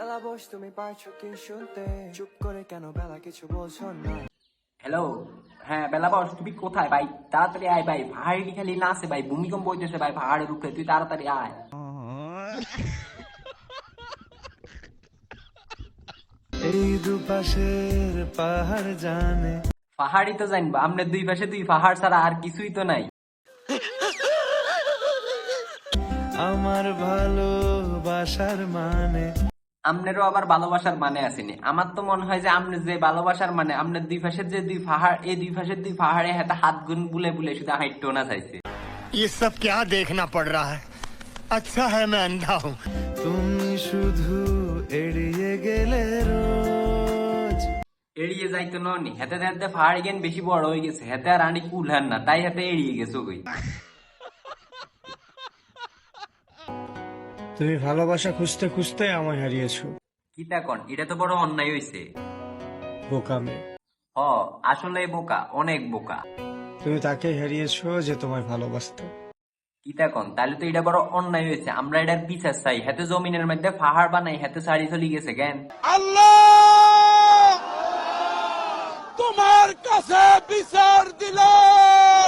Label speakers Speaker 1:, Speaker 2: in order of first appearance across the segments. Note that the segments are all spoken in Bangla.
Speaker 1: বেলা বস তুমি পারছো কি শুনতে চুপ করে কেন বেলা কিছু বলছো না
Speaker 2: হ্যালো, হ্যাঁ বেলা বস, তুমি কোথায় ভাই? তাড়াতাড়ি আয় ভাই, পাহাড়ি খালি না আছে ভাই, ভূমিকম্প হইতেছে ভাই পাহাড়ের উপরে, তুই তাড়াতাড়ি আয়।
Speaker 1: এই দুপাশের পাহাড় জানে
Speaker 2: পাহাড়ই তো জানবো, আমরা দুই পাশে দুই পাহাড় ছাড়া আর কিছুই তো নাই।
Speaker 1: আমার ভালোবাসার মানে
Speaker 2: আমনেরও আবার ভালোবাসার মানে আসেনি। আমার তো মনে হয় যে আমনে যে ভালোবাসার মানে আমনের দুই পাশের যে দুই পাহাড়, এই দুই পাশের দুই পাহাড়ে হাতে হাত গুন বুলে বুলে শুধু হাইটটো না চাইছে।
Speaker 3: ये सब क्या देखना पड़ रहा है? अच्छा है मैं अंधा हूँ।
Speaker 1: তুমি শুধু এড়িয়ে গেলে রোজ
Speaker 2: এড়িয়ে যাইতো ননি, হেতে হেতে পাহাড় জ্ঞান বেশি বড় হয়ে গেছে, হেতে আর আনি কুলহান না, তাই হাতে এড়িয়ে গেছো কই।
Speaker 4: তুমি ভালোবাসা খুঁজতে খুঁজতে আমায় হারিয়েছো,
Speaker 2: কি তা কন, এটা তো বড় অন্যায় হইছে।
Speaker 4: বোকামে।
Speaker 2: হ, আসলে বোকা, অনেক বোকা।
Speaker 4: তুমি তাকে হারিয়েছো যে তোমায় ভালোবাসতো।
Speaker 2: কি তা কন, তাহলে তো এটা বড় অন্যায় হয়েছে। আমরা এটার বিচার চাই। হাতে জমিনের মধ্যে পাহাড় বানাই, হাতে সারি চলি গেছে কেন?
Speaker 3: तुम्हार कसे बिसर दिलाम।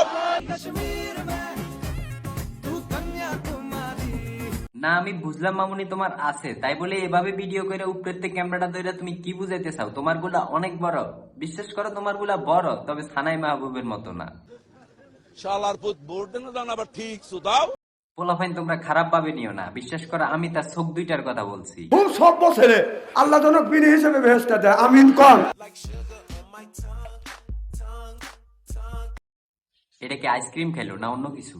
Speaker 2: না আমি বুঝলাম মামুনি তোমার আছে, তাই বলে এভাবে ভিডিও করে উপরের থেকে ক্যামেরাটা ধরে তুমি কি বুঝাইতে চাও? তোমার গুলা অনেক বড়, বিশ্বাস করো তোমার গুলা বড়, তবে সানাই মাহবুবের মতো না।
Speaker 5: শালার পুত ভোট দেন দান আবার ঠিক সুদাও।
Speaker 2: পোলাফাইন তোমরা খারাপ ভাবে নিও না, বিশ্বাস করো আমি তার চোখ দুইটার কথা বলছি।
Speaker 6: খুব সভ্য ছেলে, আল্লাহ জনক বিনি হিসেবে বেহেশতে দেয়, আমিন কর।
Speaker 2: এটা কি আইসক্রিম খেলো না অন্য কিছু?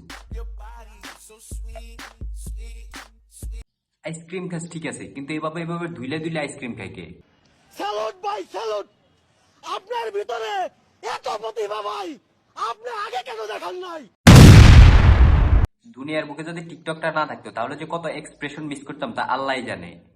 Speaker 2: আইসক্রিম খাস ঠিক আছে, কিন্তু এভাবে এভাবে ধুইলে ধুইলে আইসক্রিম খাই কে?
Speaker 3: স্যালুট ভাই স্যালুট, আপনার ভিতরে এত প্রতিভা ভাই, আপনি আগে কেন দেখান নাই?
Speaker 2: দুনিয়ার বুকে যদি টিকটকটা না থাকতো তাহলে যে কত এক্সপ্রেশন মিস করতাম তা আল্লাহই জানে।